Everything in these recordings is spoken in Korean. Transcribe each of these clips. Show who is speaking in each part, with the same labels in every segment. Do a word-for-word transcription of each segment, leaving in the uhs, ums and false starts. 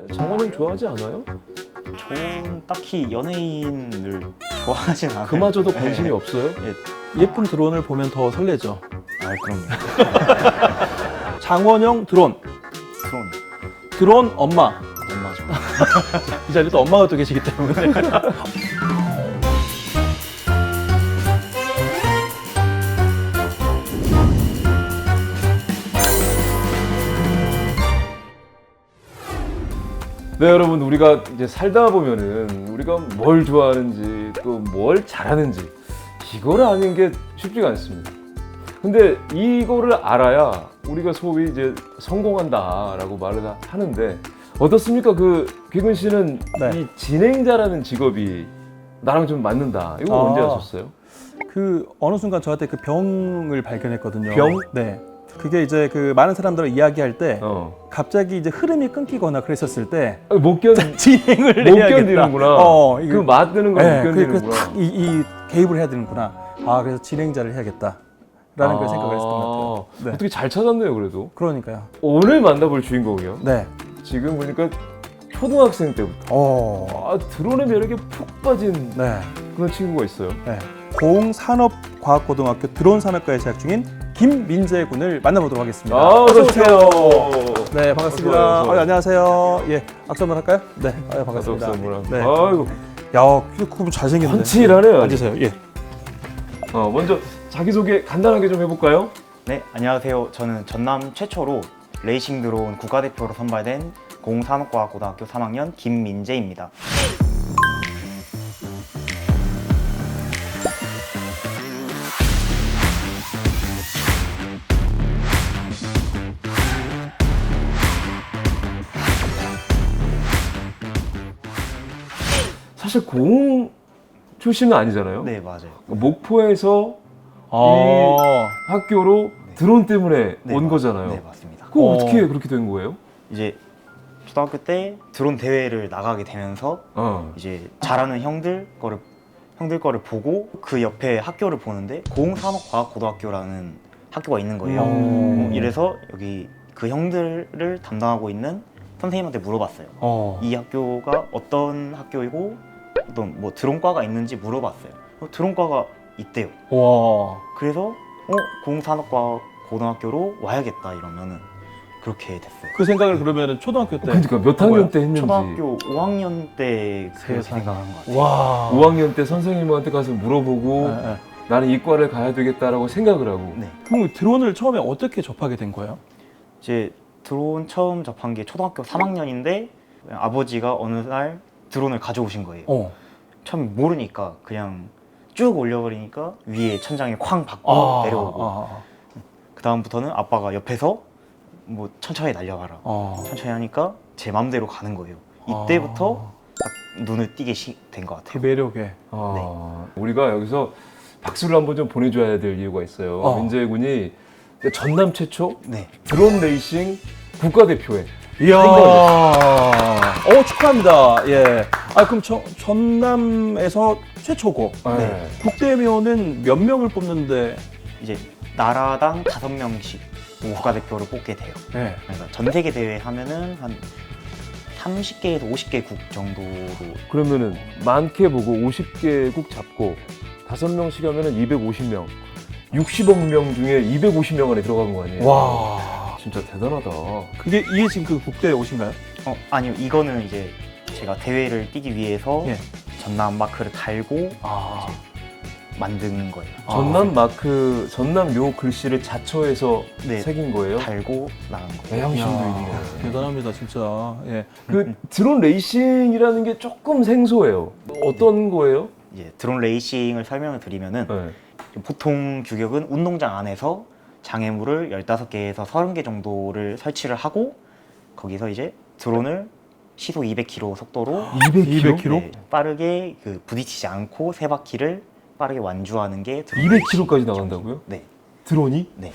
Speaker 1: 장원영 좋아하지 않아요?
Speaker 2: 저는 딱히 연예인을 좋아하진 않아요.
Speaker 1: 그마저도 관심이
Speaker 2: 네.
Speaker 1: 없어요?
Speaker 3: 예쁜 드론을 보면 더 설레죠.
Speaker 2: 아, 그럼요.
Speaker 3: 장원영 드론,
Speaker 2: 드론
Speaker 3: 드론 엄마.
Speaker 2: 엄마죠.
Speaker 3: 이 자리에 또 엄마가 또 계시기 때문에.
Speaker 1: 네, 여러분, 우리가 이제 살다 보면은 우리가 뭘 좋아하는지 또 뭘 잘하는지 이거를 아는 게 쉽지가 않습니다. 근데 이거를 알아야 우리가 소위 이제 성공한다라고 말을 하는데 어떻습니까? 그 귀근 씨는
Speaker 3: 네.
Speaker 1: 이 진행자라는 직업이 나랑 좀 맞는다. 이거
Speaker 3: 아.
Speaker 1: 언제 아셨어요?
Speaker 3: 그 어느 순간 저한테 그 병을 발견했거든요.
Speaker 1: 병?
Speaker 3: 네. 그게 이제 그 많은 사람들을 이야기할 때
Speaker 1: 어.
Speaker 3: 갑자기 이제 흐름이 끊기거나 그랬었을 때
Speaker 1: 아니, 못 견,
Speaker 3: 진행을
Speaker 1: 못
Speaker 3: 해야겠다.
Speaker 1: 견디는구나.
Speaker 3: 어, 이거-
Speaker 1: 그 맞드는 걸
Speaker 3: 네,
Speaker 1: 못 견디는구나.
Speaker 3: 그탁이 이 개입을 해야 되는구나. 아, 그래서 진행자를 해야겠다라는 걸 생각을 했었던 것 같아요. 네.
Speaker 1: 어떻게 잘 찾았네요, 그래도.
Speaker 3: 그러니까요.
Speaker 1: 오늘 만나볼 주인공이요.
Speaker 3: 네.
Speaker 1: 지금 보니까 초등학생 때부터
Speaker 3: 어.
Speaker 1: 아, 드론의 매력에 푹 빠진
Speaker 3: 네.
Speaker 1: 그런 친구가 있어요.
Speaker 3: 네. 고흥산업과학고등학교 드론산업과에 재학 중인 김민재 군을 만나보도록 하겠습니다.
Speaker 1: 아, 어서 오세요.
Speaker 3: 네, 반갑습니다.
Speaker 1: 어서 와요.
Speaker 3: 아, 안녕하세요. 예, 악수 한번 할까요? 네, 아, 반갑습니다.
Speaker 1: 반갑습니다.
Speaker 3: 네.
Speaker 1: 아이고,
Speaker 3: 야, 그분 잘생겼네.
Speaker 1: 훤칠하네요.
Speaker 3: 앉으세요. 예.
Speaker 1: 어, 먼저 자기소개 간단하게 좀 해볼까요?
Speaker 2: 네, 안녕하세요. 저는 전남 최초로 레이싱 드론 국가대표로 선발된 공산업과학고등학교 삼 학년 김민재입니다.
Speaker 1: 사실 공 출신은 아니잖아요.
Speaker 2: 네, 맞아요.
Speaker 1: 목포에서
Speaker 3: 아,
Speaker 1: 학교로 드론 때문에
Speaker 2: 네,
Speaker 1: 온
Speaker 2: 맞-
Speaker 1: 거잖아요.
Speaker 2: 네, 맞습니다.
Speaker 1: 그거
Speaker 3: 어.
Speaker 1: 어떻게 그렇게 된 거예요?
Speaker 2: 이제 초등학교 때 드론 대회를 나가게 되면서
Speaker 1: 어.
Speaker 2: 이제 잘하는 형들 거를 형들 거를 보고 그 옆에 학교를 보는데 고흥산업과학고등학교라는 학교가 있는 거예요.
Speaker 3: 음.
Speaker 2: 어, 이래서 여기 그 형들을 담당하고 있는 선생님한테 물어봤어요.
Speaker 3: 어.
Speaker 2: 이 학교가 어떤 학교이고 어떤 뭐 드론과가 있는지 물어봤어요. 어, 드론과가 있대요.
Speaker 3: 와.
Speaker 2: 그래서 어 공산업과 고등학교로 와야겠다 이러면은 그렇게 됐어요.
Speaker 3: 그 생각을 그러면은 초등학교 때.
Speaker 1: 그러니까 몇 학년 때 했는지.
Speaker 2: 초등학교 오 학년 때 그렇게
Speaker 3: 세상에.
Speaker 2: 생각한 것 같아요.
Speaker 3: 와.
Speaker 1: 오 학년 때 선생님한테 가서 물어보고
Speaker 3: 네, 네.
Speaker 1: 나는 이과를 가야 되겠다라고 생각을 하고.
Speaker 2: 네,
Speaker 3: 그럼 드론을 처음에 어떻게 접하게 된 거예요?
Speaker 2: 이제 드론 처음 접한 게 초등학교 삼 학년인데 아버지가 어느 날 드론을 가져오신 거예요.
Speaker 3: 어.
Speaker 2: 처음 모르니까 그냥 쭉 올려버리니까 위에 천장에 쾅 박고
Speaker 3: 아,
Speaker 2: 내려오고
Speaker 3: 아,
Speaker 2: 그 다음부터는 아빠가 옆에서 뭐 천천히 날려가라
Speaker 3: 아.
Speaker 2: 천천히 하니까 제 맘대로 가는 거예요. 이때부터
Speaker 3: 아.
Speaker 2: 딱 눈을 띄게 시, 된 것
Speaker 3: 그
Speaker 2: 같아요.
Speaker 3: 매력에.
Speaker 1: 아, 우리가 여기서 박수를 한번 좀 보내줘야 될 이유가 있어요.
Speaker 3: 어.
Speaker 1: 민재 군이 전남 최초
Speaker 2: 네,
Speaker 1: 드론 레이싱 국가대표에
Speaker 3: 이야. 어, 축하합니다. 예. 아, 그럼 저, 전남에서 최초고.
Speaker 1: 네.
Speaker 3: 국대면은 몇 명을 뽑는데.
Speaker 2: 이제 나라당 다섯 명씩 국가대표를 뽑게 돼요.
Speaker 3: 네.
Speaker 2: 그러니까 전 세계 대회 하면은 한 삼십 개에서 오십 개 국 정도로
Speaker 1: 그러면은 많게 보고 오십 개국 잡고 다섯 명씩 하면은 이백오십 명, 육십억 명 중에 이백오십 명 안에 들어간 거 아니에요?
Speaker 3: 와.
Speaker 1: 진짜 대단하다.
Speaker 3: 그게 이게 지금 그 국대 오신가요?
Speaker 2: 어 아니요 이거는 이제 제가 대회를 뛰기 위해서
Speaker 3: 예.
Speaker 2: 전남 마크를 달고
Speaker 3: 아.
Speaker 2: 만든 거예요.
Speaker 1: 전남 마크, 전남 요 글씨를 자처해서
Speaker 2: 네.
Speaker 1: 새긴 거예요?
Speaker 2: 달고 나간 거예요.
Speaker 1: 애양심도
Speaker 3: 이야,
Speaker 1: 있네.
Speaker 3: 대단합니다, 진짜. 예.
Speaker 1: 그 드론 레이싱이라는 게 조금 생소해요. 어떤 거예요?
Speaker 2: 이제 드론 레이싱을 설명을 드리면은
Speaker 1: 네.
Speaker 2: 보통 규격은 운동장 안에서 장애물을 열다섯 개에서 서른 개 정도를 설치를 하고 거기서 이제 드론을 시속 이백 킬로미터 속도로
Speaker 1: 이백 킬로미터?
Speaker 3: 이백 킬로미터?
Speaker 2: 네, 빠르게 그 부딪히지 않고 세 바퀴를 빠르게 완주하는 게 드론
Speaker 1: 이백 킬로미터까지
Speaker 2: 레이싱.
Speaker 1: 나간다고요?
Speaker 2: 네.
Speaker 1: 드론이?
Speaker 2: 네.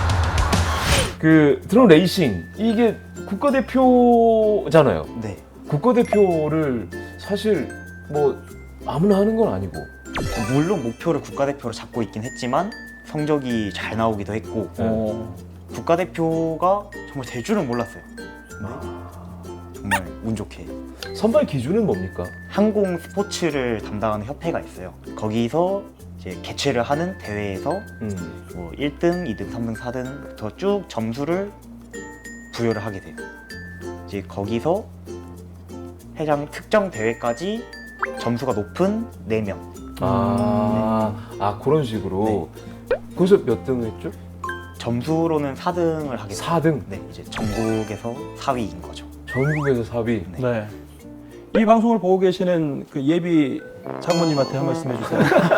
Speaker 1: 그 드론 레이싱 이게 국가대표잖아요.
Speaker 2: 네.
Speaker 1: 국가대표를 사실 뭐 아무나 하는 건 아니고.
Speaker 2: 물론 목표를 국가대표로 잡고 있긴 했지만 성적이 잘 나오기도 했고
Speaker 3: 어.
Speaker 2: 국가대표가 정말 될 줄은 몰랐어요. 근데 정말 운 좋게
Speaker 1: 선발 기준은 뭡니까?
Speaker 2: 항공 스포츠를 담당하는 협회가 있어요. 거기서 이제 개최를 하는 대회에서
Speaker 1: 음.
Speaker 2: 뭐 일 등, 이 등, 삼 등, 사 등부터 쭉 점수를 부여를 하게 돼요. 이제 거기서 해당 특정 대회까지 점수가 높은 네 명.
Speaker 1: 아, 아 그런 식으로. 거기서 몇 등 했죠?
Speaker 2: 점수로는 사 등을 하게 돼요.
Speaker 1: 사 등.
Speaker 2: 네, 이제 전국에서 사 위인 거죠.
Speaker 1: 전국에서 사 위.
Speaker 2: 네.
Speaker 3: 네. 이 방송을 보고 계시는 그 예비 장모님한테 한 말씀 해주세요.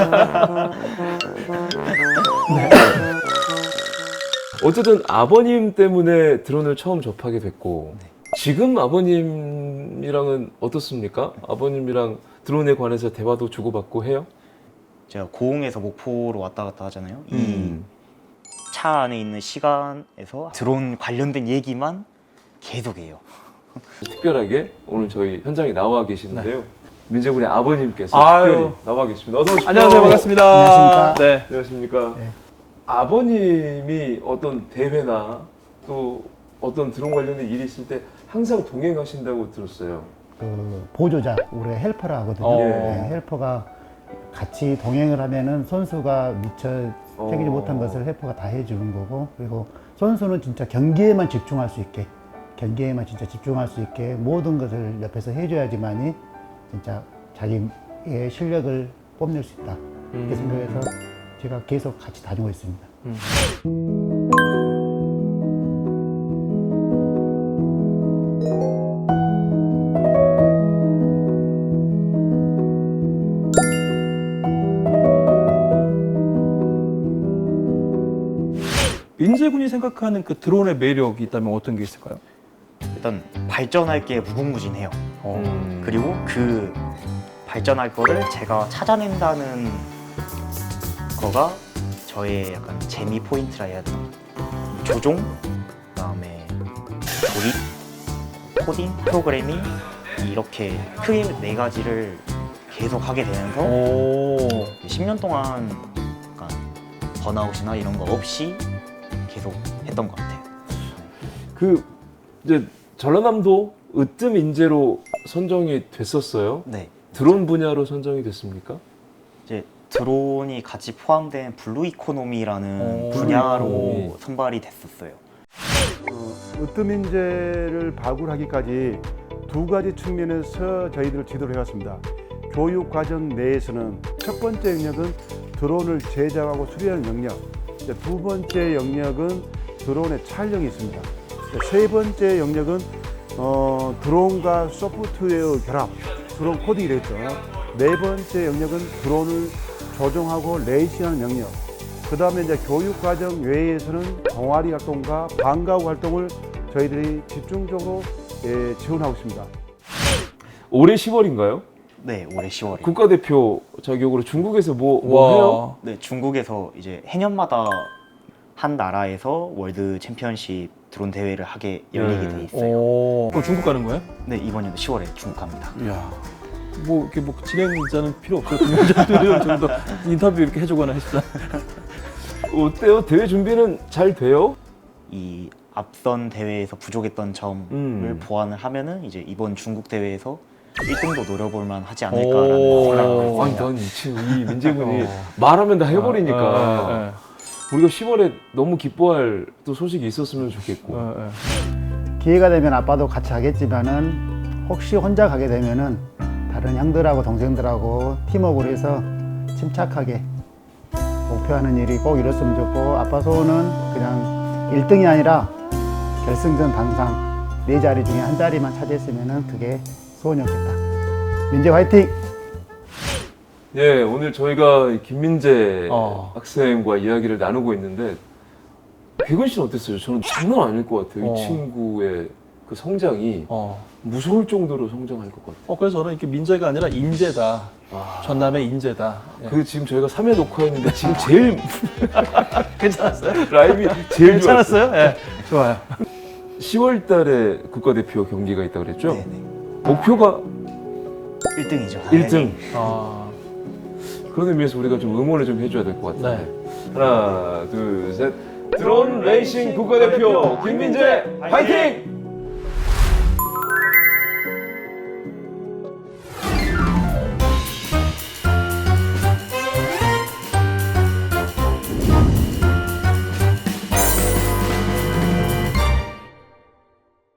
Speaker 1: 어쨌든 아버님 때문에 드론을 처음 접하게 됐고 지금 아버님이랑은 어떻습니까? 아버님이랑 드론에 관해서 대화도 주고받고 해요?
Speaker 2: 제가 고흥에서 목포로 왔다 갔다 하잖아요.
Speaker 1: 음.
Speaker 2: 이 차 안에 있는 시간에서 드론 관련된 얘기만 계속해요.
Speaker 1: 특별하게 오늘 저희 현장에 나와 계시는데요. 민재군의 아버님께서
Speaker 3: 아유.
Speaker 1: 특별히 나와 계십니다. 어서 오십시오.
Speaker 3: 안녕하세요, 반갑습니다.
Speaker 4: 안녕하십니까?
Speaker 3: 네.
Speaker 1: 안녕하십니까.
Speaker 4: 네.
Speaker 1: 아버님이 어떤 대회나 또 어떤 드론 관련된 일이 있을 때 항상 동행하신다고 들었어요.
Speaker 4: 그 보조자, 우리 헬퍼라 하거든요.
Speaker 3: 어.
Speaker 4: 네, 헬퍼가 같이 동행을 하면은 선수가 미처 새기지
Speaker 1: 어.
Speaker 4: 못한 것을 헬퍼가 다 해주는 거고, 그리고 선수는 진짜 경기에만 집중할 수 있게, 경기에만 진짜 집중할 수 있게 모든 것을 옆에서 해줘야지만이 진짜 자기의 실력을 뽐낼 수 있다. 이렇게 생각해서 제가 계속 같이 다니고 있습니다.
Speaker 3: 민재군이 생각하는 그 드론의 매력이 있다면 어떤 게 있을까요?
Speaker 2: 일단 발전할 게 무궁무진해요.
Speaker 3: 어.
Speaker 1: 음.
Speaker 2: 그리고 그 발전할 거를 제가 찾아낸다는 거가 저의 약간 재미 포인트라 해야 되나? 조종, 그다음에 조립, 코딩, 프로그래밍 이렇게 크게 네 가지를 계속 하게 되면서
Speaker 3: 오.
Speaker 2: 십 년 동안 약간 번아웃이나 이런 거 없이 계속 했던 것 같아요.
Speaker 1: 그 이제 전라남도 으뜸 인재로 선정이 됐었어요.
Speaker 2: 네,
Speaker 1: 드론 분야로 선정이 됐습니까?
Speaker 2: 이제 드론이 같이 포함된 블루 이코노미라는
Speaker 3: 오,
Speaker 2: 분야로
Speaker 1: 블루 이코노미.
Speaker 2: 선발이 됐었어요.
Speaker 5: 으뜸인재를 발굴하기까지 두 가지 측면에서 저희들 지도를 해왔습니다. 교육 과정 내에서는 첫 번째 영역은 드론을 제작하고 수리하는 영역, 이제 두 번째 영역은 드론의 촬영이 있습니다. 이제 세 번째 영역은 어, 드론과 소프트웨어 결합, 드론 코딩이 되겠죠. 네 번째 영역은 드론을 조종하고 레이싱하는 영역. 그 다음에 이제 교육 과정 외에서는 동아리 활동과 방과후 활동을 저희들이 집중적으로 예, 지원하고 있습니다.
Speaker 1: 올해 시월인가요?
Speaker 2: 네, 올해 시월에.
Speaker 1: 국가대표 자격으로 중국에서 뭐, 뭐 해요?
Speaker 2: 네, 중국에서 이제 해년마다 한 나라에서 월드 챔피언십 드론 대회를 하게 열리게
Speaker 1: 네.
Speaker 2: 돼 있어요.
Speaker 3: 오. 그럼 중국 가는 거예요?
Speaker 2: 네, 이번 연도 시월에 중국 갑니다.
Speaker 3: 이야. 뭐 이렇게 뭐 진행자는 필요 없어요. 동영자들 정도 인터뷰 이렇게 해주거나 했어.
Speaker 1: 어때요? 대회 준비는 잘 돼요?
Speaker 2: 이 앞선 대회에서 부족했던 점을
Speaker 1: 음.
Speaker 2: 보완을 하면은 이제 이번 중국 대회에서 일 등도 노려볼 만 하지 않을까라는
Speaker 3: 오.
Speaker 2: 생각을
Speaker 1: 아니,
Speaker 2: 했습니다.
Speaker 1: 난 이 친구, 이 민재군이
Speaker 3: 어.
Speaker 1: 말하면 다 해버리니까.
Speaker 3: 어, 어,
Speaker 1: 우리가 시월에 너무 기뻐할 또 소식이 있었으면 좋겠고.
Speaker 3: 어, 어.
Speaker 4: 기회가 되면 아빠도 같이 하겠지만은 혹시 혼자 가게 되면은 다른 형들하고 동생들하고 팀워크로 해서 침착하게 목표하는 일이 꼭 이뤘으면 좋고, 아빠 소원은 그냥 일 등이 아니라 결승전 단상 네 자리 중에 한 자리만 차지했으면은 그게 소원이었겠다. 민재 화이팅!
Speaker 1: 예, 오늘 저희가 김민재
Speaker 3: 어.
Speaker 1: 학생과 이야기를 나누고 있는데, 백은 씨는 어땠어요? 저는 장난 아닐 것 같아요.
Speaker 3: 어.
Speaker 1: 이 친구의 그 성장이
Speaker 3: 어.
Speaker 1: 무서울 정도로 성장할 것 같아요.
Speaker 3: 어, 그래서 저는 이렇게 민재가 아니라 인재다.
Speaker 1: 아.
Speaker 3: 전남의 인재다. 예.
Speaker 1: 그 지금 저희가 삼 회 녹화했는데 지금 제일
Speaker 3: 괜찮았어요?
Speaker 1: 라임이 제일 좋았어요.
Speaker 3: 괜찮았어요? 예. 좋아요.
Speaker 1: 시월 달에 국가대표 경기가 있다고 그랬죠?
Speaker 2: 네네.
Speaker 1: 목표가
Speaker 2: 일 등이죠.
Speaker 1: 일 등.
Speaker 3: 아,
Speaker 1: 그런 의미에서 우리가 좀 응원을 좀 해줘야 될 것 같아요.
Speaker 3: 네.
Speaker 1: 하나, 둘, 셋. 드론 레이싱 국가대표 김민재 화이팅!